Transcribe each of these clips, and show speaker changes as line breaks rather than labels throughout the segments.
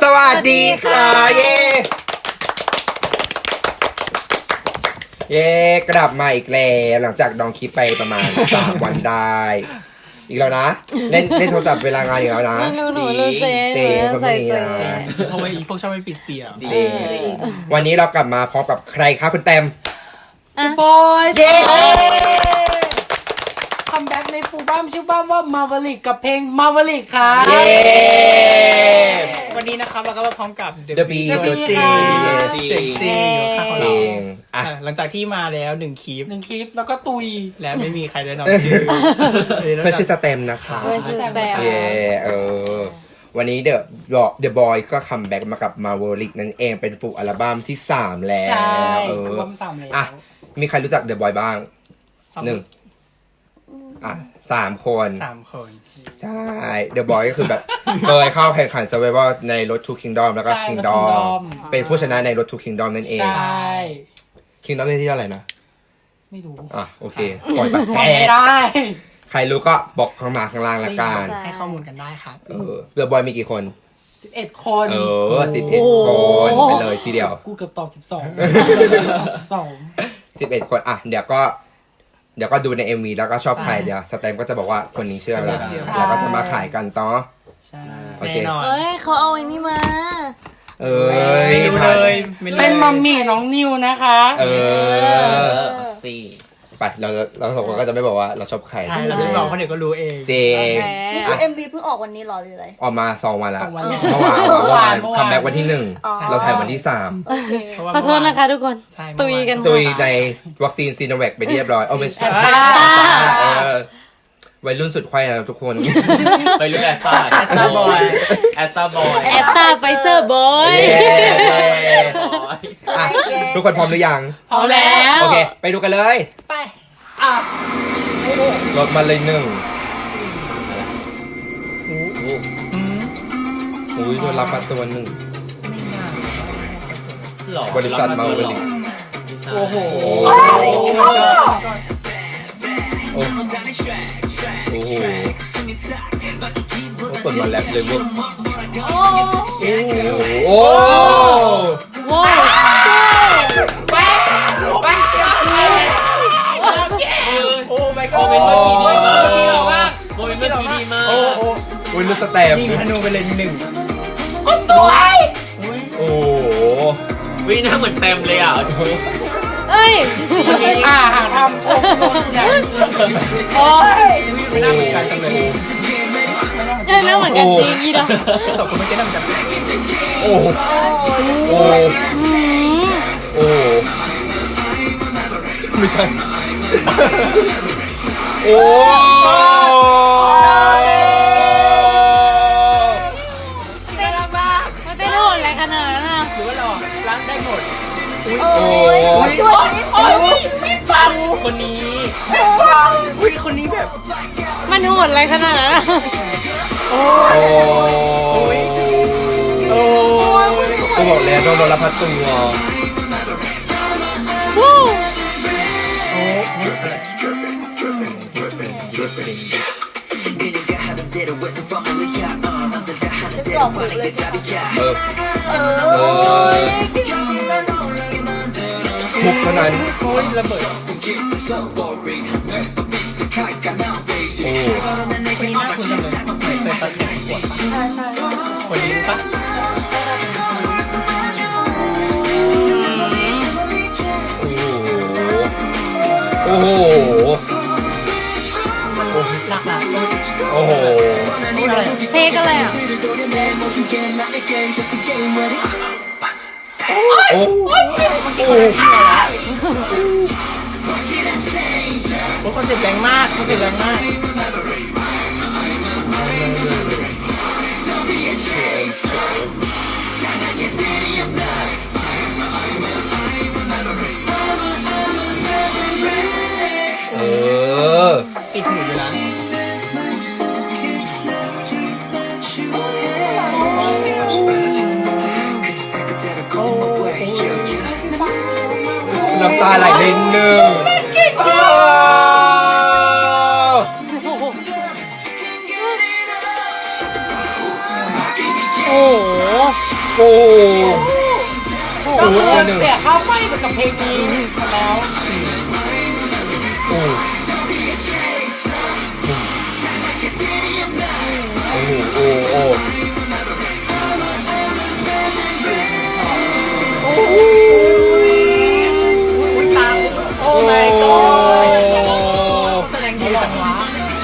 สวัสดีค่ะเย้เย้กลับมาอีกแล้วหลังจากดองคลิปไปประมาณ 3 วันได้อีกแล้วนะเล่นโทรศัพท์เวลางานอีกแล้วนะ
ไม่รู้หนูรู้เจ๊
เจ๊คนพวกนี้
ใส่
นะ
เพราะว่าอีพวกชอบไม่ปิดเสียง
จริงวันนี้เรากลับมาพร้อมกับใครครับคุณแตม
บอย
เย้
คัมแบ็กในฟูลบัมชื่อบ้ามว่ามา v วลิกกับเพลงมาv วลิกค่ะ
เย้
วันนี้นะครับเราก็มาพร้อมกับ
The Bee
ตัวจริง
เสียงจริงอยู่ข้างของ
เพล
เรา
งอ่ะ
หลังจากที่มาแล้ว1คลิป
หนึ่งคลิปแล้วก็ตุย
และไม่มีใครได้นำชื่อ
เพื่อนชื่อสเต็มนะคะ
เพื่อนชื่อแตม
เย้วันนี้The Boy ก็คัมแบ็กมากับ Maverick นั่นเองเป็นฟูลอัลบั้มที่ 3 แล้ว
ใช่
เออ
ฟูลบัม3แล้ว
อ่ะมีใครรู้จัก The Boy บ้างหนึ่ง3 คน
3 คน
ใช่ The Boy ก็คือแบบ เคยเข้าแข่งขัน Survival ใน Road to Kingdom แล้วก็
ใช่
Kingdom
Kingdom
เป็นผู้ชนะใน Road to Kingdom นั่นเอง
ใช่
Kingdom ได้ที่เท่าไหร่นะ
ไม่รู้
อ่ะโอเคปล่อยไป
จำไม่ได้
ใครรู้ก็บอกข้างมาข้างล่างละกัน
ให้ข้อมูลกันได้ครับ
The Boy มีกี่คน
11 คน
11 คนไปเลยทีเดียว
กูเกือบตอบ12
11 คนอ่ะเดี๋ยวก็ดูใน MV แล้วก็ชอบใครเดี๋ยวสแตมก็จะบอกว่าคนนี้เชื่ออะไรแล้วก็จะมาขายกันต่อ
ใช่
โอเค
แน่นอน
เอ้ยเขาเอาไอ้นี่มา
เอ้ย
ไม่รู้เลยไม่รู้
เป็นมัมมี่น้องนิวนะคะ
เออ
สี่
ไปเราสองคนก็จะไม่บอกว่าเราชอบใคร
ใช่เราจะบอกเพราะเดี๋ยวก็รู้เอง
เจ
โอเค
นี่คือ MV เพิ่งออกวันนี้เหรอหรืออะไร
ออกมา2 วันแล้ว
2 วันแล้ว
เมื่อวาน
เมื่อวาน
คัมแบ็กวันที่
อ๋อ
1 เราถ่ายวันที่
โอเค
เพราะว่า
ขอโทษนะคะทุกคน
ใช่
ตุยกัน
3ตุยในวัคซีนซีโนแวคไปเรียบร้อยเอาไม่ใช่
แอตตา
วัยรุ่นสุดไข้นะทุกคน
ไปรุ่นแอสตา
แอสตาบอย
แอสตาบอย
แอตตาไฟเซอร์บอย
เย้ อ่ะทุกคนพร้อมหรือยัง
พอแล้ว
โอเค ไปดูกันเลย
ไป
รถมาเลย1อุ้ยโดนรับมาตัว1
หล่อบ
ริษัทมาบริ
โอ้โห
โอ้โหคนมาแรปเลยเว้ยโอ้
ว้าว
โอ้ไม่ก็
โม
เป็น
เมนต์เมื่อกี้ดีมาก
มาก
โมเมนต์เมื่อกี้ดีมาก
โอ้โห
อุ้ยลูกสแตม
ยิงธนูไปเลย1
โอ้โห
วิหน้าเหมือนเต็มเลยอ่ะ
เอ้ย
ทำโคตรเนี่ยโอ้ย
ไม่น่าเหมือนกันจังเลย
เอ้ยน่าเหมือนกันจริงอีดอก
สองคนไม่ใช่น้ำจัง
โอ้โหโอ้โหโอ้โหไม่ใช่โอ้
มันเต้นโหดอะไรขนาดนั้นอ่ะ
หรือว่าเราล้างได้หมด
โอ้
ช่วยนิดนึง
คนนี้อุ้ยคนนี้แบบ
มันโหดอะไรขนาดนั้นอะ
โอ้
โอ้
ก็บอกแล้วต้องโดนรับพัดตัว
วู้
กล่องหมดเลย
เออทุกเท่านั้น
โอ้ยระเบิด
โอ้
คนนี้น่าคุ้นจังเลยเคยตัดแขนขวดคนนี้ปะ
โอ้โห
หนักหนา
โอ้โห
นี่อะไร
เทกอะไรอ่ะ
โอ้โห
โอ้คอนเซ็ปต์แรงมากคอนเซ็ปต์แรงมาก
เออ
ติดหูอยู่นะ
น้ำตาไหลนิดนึงโอ้
โอ้โห
โอ้
ก็คือเสียค่าไฟไปกับเพลงนี้มาแล้ว
โอ้โอ้โอ้
โอ้ my god แสดงดีจังวะ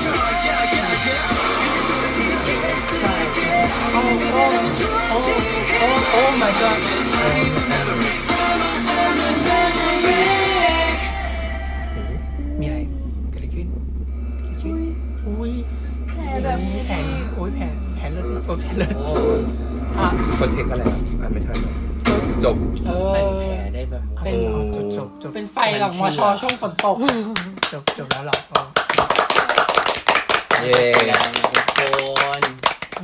โอ้ my god มีอะไรเกิดอะไรขึ้นอุ้ยแผลแบบแผลโอ้ยแผลเลือดโอ้ยแผลเลือดอ่ะ
โปรเทคอะไรอ่ะไม่ทันจบ
เป็นแผลได้แบบ
เป็น
จบ
เป็นไฟหลังมชช่วงฝนตก
จบแล้วหรอ
เย้
ทุกคน
โอ้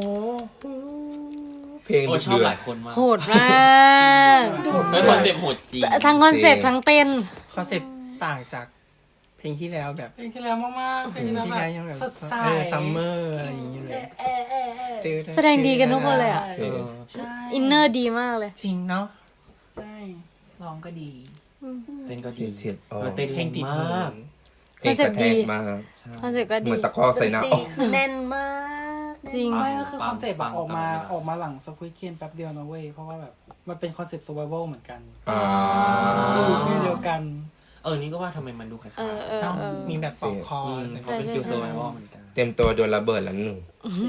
เพลง
โอ้ชอบหลายคนมาก
โหดมาก
เป็นคอนเซ็ปต์โหดจริง
ทั้งคอนเซปต์ทั้งเต้น
คอนเซ็ปต์ต่างจากเพลงที่แล้วแบบ
เพลงที่แล้วมากๆเพลงที่แล้ว
ที่
แบ
แล้วยังแบบ บ
สดใส
ซัมเมอร์อะไรอย่างเงี้ยเลย
แสดงดีกันทุกคนเลยอ่ะ
เออ
ใช่
อินเนอร์ดีมากเลย
จริงเนาะ
ใช่ร้องก็ดี
เต้นก็
ดี
ดี
เสียดอ๋อ
เต้น
เพลงติด
ม
หู
าก
เพลงกระแทกมาก
คอนเซปต์ก็
เห
ดี
มือนตะกร้อใส่หน้า
ดนต
อ
รี
อก
คือแน่นมาก
จริง
ไม่ก็คือคอนเซ็ปต์แบบออกมาหลังสควิดเกมแป๊บเดียวนะเว้ยเพราะว่าแบบมันเป็นคอนเซ็ปต์ survival เหมือนกัน
อ่า
ฟีลเดียวกัน
นี่ก็ว่าทำไมมันดูคล้าย
เออเออ
เนาะ
เออ
มีแบบปอกคอ
ๆเขาเป็นฟิลโซไวเหมือนกัน
เต็มตัวโดนระเบิดแล้วหนึ่ง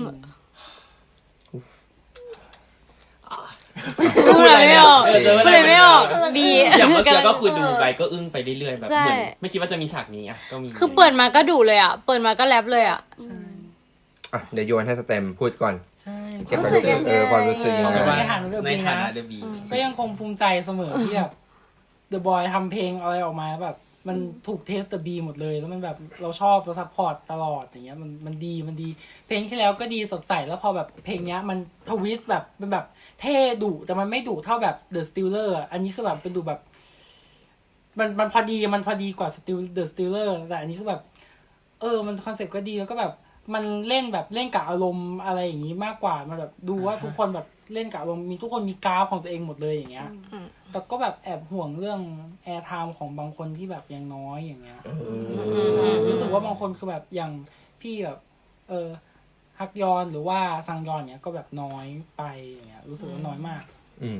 พูดอะไรไม่ออกพูดอะไรไม่ออกดี
อย่างเมื่อกี้ก็คือดูไปก็อึ้งไปเรื่อยๆแบบ
ใช่
เหมือนไม่คิดว่าจะมีฉากนี้อ่ะก็มี
คือเปิดมาก็ดุเลยอ่ะ เปิดมาก็แรปเลยอ่ะ
อ่ะเดี๋ยวโยนให้สเต็มพูดก่อน
ใช่
เก็บความรู้สึกความรู้สึกยังไง
ว่า
ในฐานะเดอะบี
ในฐานะ
นะ
เดอะบี
ก็ยังคงภูมิใจเสมอที่แบบ The Boy ทำเพลงอะไรออกมาแบบ มันถูกเทส The B หมดเลย แล้วมันแบบเราชอบเราซัพพอร์ตตลอดอย่างเงี้ยมันดีเพลงที่แล้วก็ดีสดใสแล้วพอแบบเพลงเนี้ยมันทวิสต์แบบเป็นแบบเท่ดุแต่มันไม่ดุเท่าแบบ The Stealer อ่ะอันนี้คือแบบเป็นดุแบบ มันพอดีกว่า The Stealer แต่อันนี้คือแบบ มันคอนเซ็ปต์ก็ดีแล้วก็แบบ มันเล่นแบบเล่นกับอารมณ์อะไรอย่างนี้มากกว่ามันแบบดูว่าทุกคนแบบเล่นกับอารมณ์มีทุกคนมีกราฟของตัวเองหมดเลยอย่างเงี้ยแต่ก็แบบแอบห่วงเรื่องแอร์ไทม์ของบางคนที่แบบยังน้อยอย่างเงี้ยใช่รู้สึกว่าบางคนคือแบบอย่างพี่แบบฮักยอนหรือว่าซังยอนเนี้ยก็แบบน้อยไปอย่างเงี้ยรู้สึกว่าน้อยมาก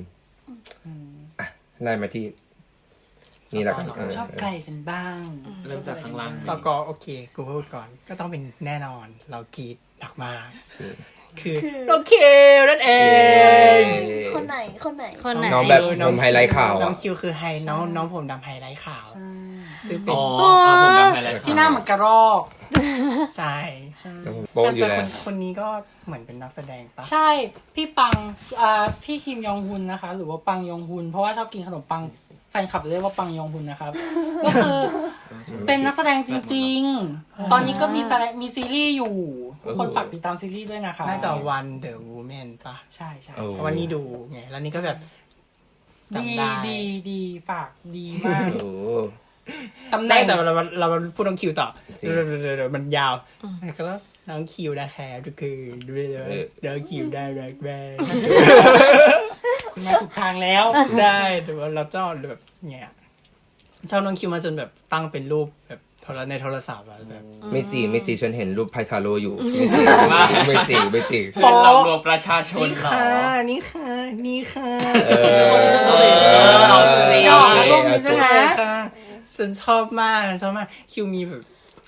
ไล่มาที่นี่แหละกัน
ชอบไก่กันบ้าง
เริ่มจากข้างล่าง
สกอร์โอเคกูพูดก่อนก็ต้องเป็นแน่นอนเรากรีดหนักมากคือโอเคนั่นเอง
คนไหน
คนไหน
น้องแบบผมไฮไลท์ข่าว
น้องคิวคือน้องผมดำไฮไลท์ข่าวซึ่งเป็น
ผมจำไปแล้ว
ที่หน้าเหมือนกระรอก
ใช่
โป๊ะอยู่
แต่
แล้ว
คนนี้ก็เหมือนเป็นนักแสดงปะ
ใช่พี่ปังพี่คิมยองฮุนนะคะ หรือว่าปังยองฮุนเพราะว่าชอบกินขนมปังแฟนคลับเรียกว่าปังยองฮุนนะครับ ก็คือเป็นนักแสดงจริงๆ ตอนนี้ก็มีซีรีส์อยู่ทุกคนฝากติดตามซีรีส์ด้วยนะคะ
น่าจะวันเดอะวูแมนปะ
ใช่ใช่
วันนี้ดูไงแล้วนี่ก็แบบ
ดี
จำได้
ดีฝากดีมาก
โอ้
ตำแห
ได้
น่ง
แต่เราพูดน้องคิวต่อ
จริง
เดี๋ยวมันยาวก็น้องคิวนะแคร์ก็คือด้วยน้องคิวได้แรกแรก
คุณมาถูกทางแล้ว
ใช่แต่ว่าเราชอบแบบเงี้ยชอบน้องคิวมาจนแบบตั้งเป็นรูปแบบในโทรศัพท์อะแบบ
ไม่สิฉันเห็นรูปไพทาโร่อยู่ไม่สิ
เพื่อนเรารวมประชาชน
นี่
เหรอ
ค่ะนี่ค่ะนี่ค่ะ
เอาสิ
หยอกรูปนี้ใช่ไหม
ค่ะฉันชอบมากคิวมีแบบ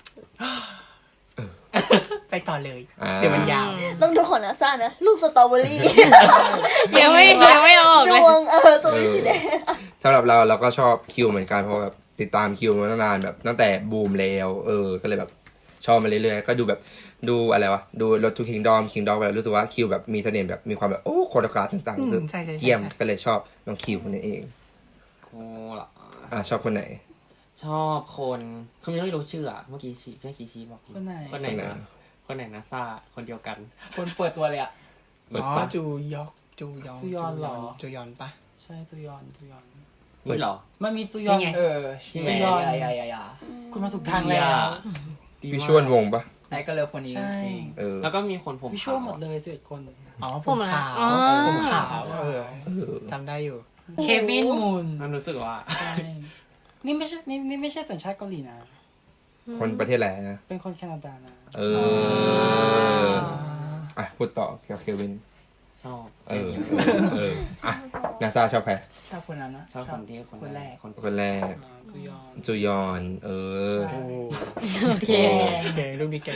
ไปต่อเลย เดี๋ยวมันยาว
ต้องดูของนาซานะ รูปสตรอเบอรี่
ยังไม่ออก
ด
เลย
วงสตรอเบอรี่สีแดง
สำหรับเราก็ชอบคิวเหมือนกันเพราะแบบติดตามคิวมาตั้งนานแบบตั้งแต่บูมแล้วก็เลยแบบชอบมาเรื่อยๆก็ดูแบบดูอะไรวะดูรถทูคิงดอมแบบรู้สึกว่าคิวแบบมีเสน่ห์แบบมีความแบบโอ้โคโรกราฟต่างๆรู้สึก
ใช่
เยี่ยมก็เลยชอบน้องคิวคนนี้เอง
โอ้ล่ะ
ชอบคนไหน
ชอบคนคือไม่รู้ชื่อเมื่อกี้ชี้พี่ชี้บอก
คนไหน
คนไหนนะซ่าคนเดียวกัน
คนเปิดตัวเลยอ่ะอ๋อจูยอนปะ
ใช่จูยอน
นี่เหรอ
มันมีจูยอน
นี่ไง
จูยอนคุณมาถูกทางแล้ว
พี่ชวนวงปะ
ไอ้ก็เลิฟคนนี้
ใช่
แล้วก็มีคนผม
วิชวลหมดเลย11 คน
อ๋อผ
ผม ม
ขาว
อ๋อ
ผมขาวจำได้อยู่
เควินมูน
มันรู้สึกว่า
ใช่นี่ไม่ใช่สัญชาติเกาหลีนะ
คนประเทศอะไรนะ
เป็นคนแคนาดานะ
เอออ่ะพูดต่อกับเควิน
ชอบ
อ่ะนาซาชอบใคร
ชอบคนนั้นนะ
ชอบคนที่
คนแรก
คนแรก
ซูยอน
จูยอน
ใช่
โอเค
แกงรูปนี้แกง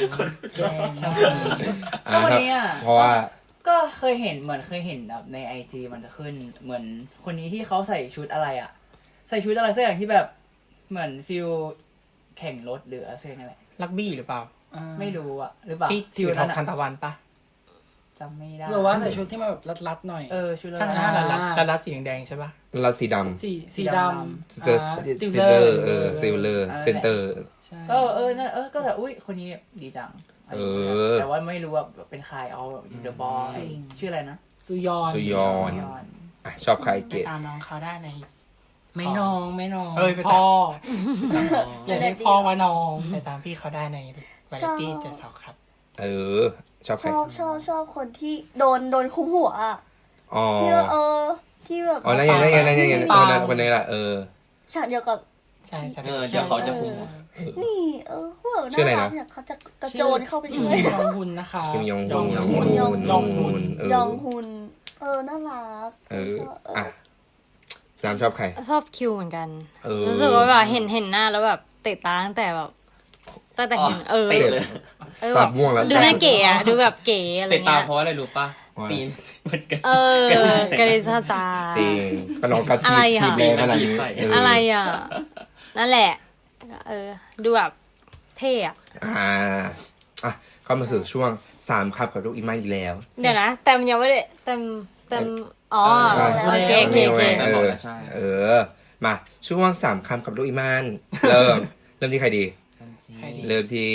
อ่ะ
ก็วันนี้อ่ะ
เพราะว่า
ก็เคยเห็นแบบในไอจีมันจะขึ้นเหมือนคนนี้ที่เขาใส่ชุดอะไรอ่ะ ใส่ชุดอะไรสักอย่างที่แบบเหมือนฟิลแข่งรถหรืออะไรสักอย่างนั่นแหละ
ลักบี้หรือเปล่า
ไม่รู้อ่ะหรือเปล่า
ที่ถื
ฟิ
อ
ล
ทอ
นั้
ง
น
คัน
อะ
ตะวันปะ
จำไม่ได้
หรือว่าใส่ชุดที่มันแบบรัดๆหน่อย
ชุดละ
ถ้า
ลาย
รัดสีแดงๆใช่ปะ
เราสีด
สีดำ
ำสเตอร์ส
สติล
ติ
เล
ลเล
อ
อ
ร์
ร์สติลเลอร์เซนเตอร์
ใช่
ก็นั่นก็แบบอุ้ยคนนี้ดีจังอะไรอย่างเงี้ยแต่ว่าไม่รู้ว่าเป็นใครเอาเดอะบอยชื่ออะไรนะ
ซูยอน
จูยอน
ยอน
อ่ะชอบใครเกต
ตามน้องเขาได้ใน
ไม่น้องไม่น้อง
เอ้ยไป
พ่ออย่าเรียกพ่อว่าน้อง
ไปตามพี่เขาได้ในวาไรตี้เจ็ดสาวครับ
ชอบใคร
ชอบคนที่โดนคุมหัวอะ
อ๋อ
ที่ที่แบบ
อ๋อนั่นไงคนนี้แหละ
ฉากเดียวกับ
ใช่ใช่
เดี๋ยวเขาจะคุม
นี่เขาแบบ
ชื่ออะไรนะ
เนี่ยเขาจะกระโจนเข้าไปช่วย
ยองฮุนนะคะ
คิมยองฮุน
ยองฮุน
ยองฮุน ยอง
เออ
ฮุนน่ารัก
อ่ะน้ำชอบใคร
ชอบคิวเหมือนกัน
เออ
รู้สึกว่าแบบเห็นหน้าแล้วแบบเตะตาตั้งแต่แบบตั้งแต่เห็น
เตะเลย
แบ
ตั
บ
ดม่วงแล้ว
ดูน่าเก๋อะดูแบบเก๋อะไร
เตะตา
เงี้ย
เพราะอะไรรู้ป่ะ ตีนมันกัน
กระดิสตา
จริงก็น้องกัน
อะไรอ่ะ
ทีแบขนาดนี้
อะไรอ่ะ นั่นแหละ ดูแบบเท่อะ
อ่ะเข้ามาสู่ช่วง3ครับกับลูกอีมานอีกแล้ว
เดี๋ยวนะแต่มันยังไม่ได้แต่อ๋อโอเค
แต่บอกแล้วใช่
มาช่วง3คำกับลูกอีมานเริ่มที่ใครดี เริ่มที่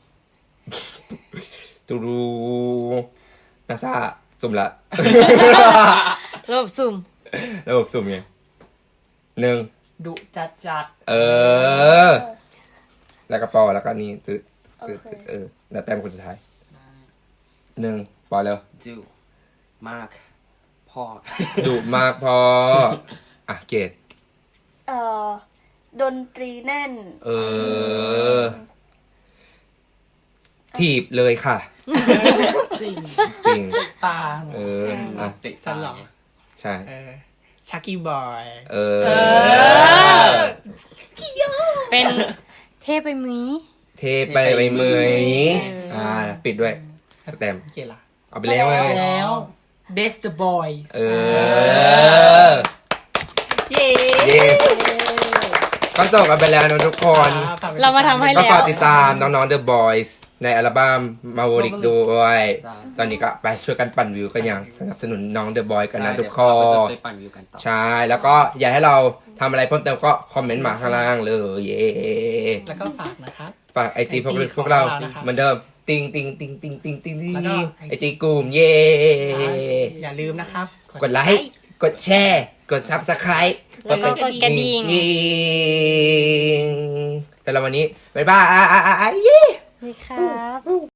ตูรูนาซาสุ่มละ
ระบบสุ่ม
ระบบสุ่มไง1
ดุจัด
แล้วก็ปอแล้วก็นี่ตืแล้วแต้มคนสุดท้าย1ปอเร็ว
จูมาก พ่อ
ดุมากพออ่ะเกต
ดนตรีแน่น
ถีบเลยค่ะ
จริง
จริง
ตา
อ่ะ
เตะ
ฉันเหรอ
ใช่
ชักกี้บอย
เป็นเท่ไปมี
เทไปไปเมยปิดด้วยสแตมป์
เกล่ะ
เอาไปแล้วไง
แล้ว Best the Boys
เย้
เย้
ก็จบกันไปแล้วนะทุกคน
เรามาทำให้
ก็
แล้
ฝาก
ว
ติดตามน้องๆ The Boys ในอัลบั้ม Maverick ด้วย ตอนนี้ก็ไปช่วยกันปั่นวิวกันอย่างสนับสนุนน้อง The Boys กันนะทุกคน
ไปปั่นวิวกันต่อ
ใช่ แล้วก็อยากให้เราทำอะไรเพิ่มเติมก็คอมเมนต์มาข้างล่างเลย เย้
แล้วก็ฝากนะครับ
ฝากไอจี
IG
พวกเรา
ของเรานะครับ
เหมือนเดิม ติงติงติงติงติงติงติง
แล้วก็
ไอจีกลุ่มเย้
อย่าลืมนะครับ
กดไลค์ กดแชร์ กด Subscribe
แล้วก็กดกระดิ่ง
สำหรับวันนี้ บ๊ายบาย
นี่ครับ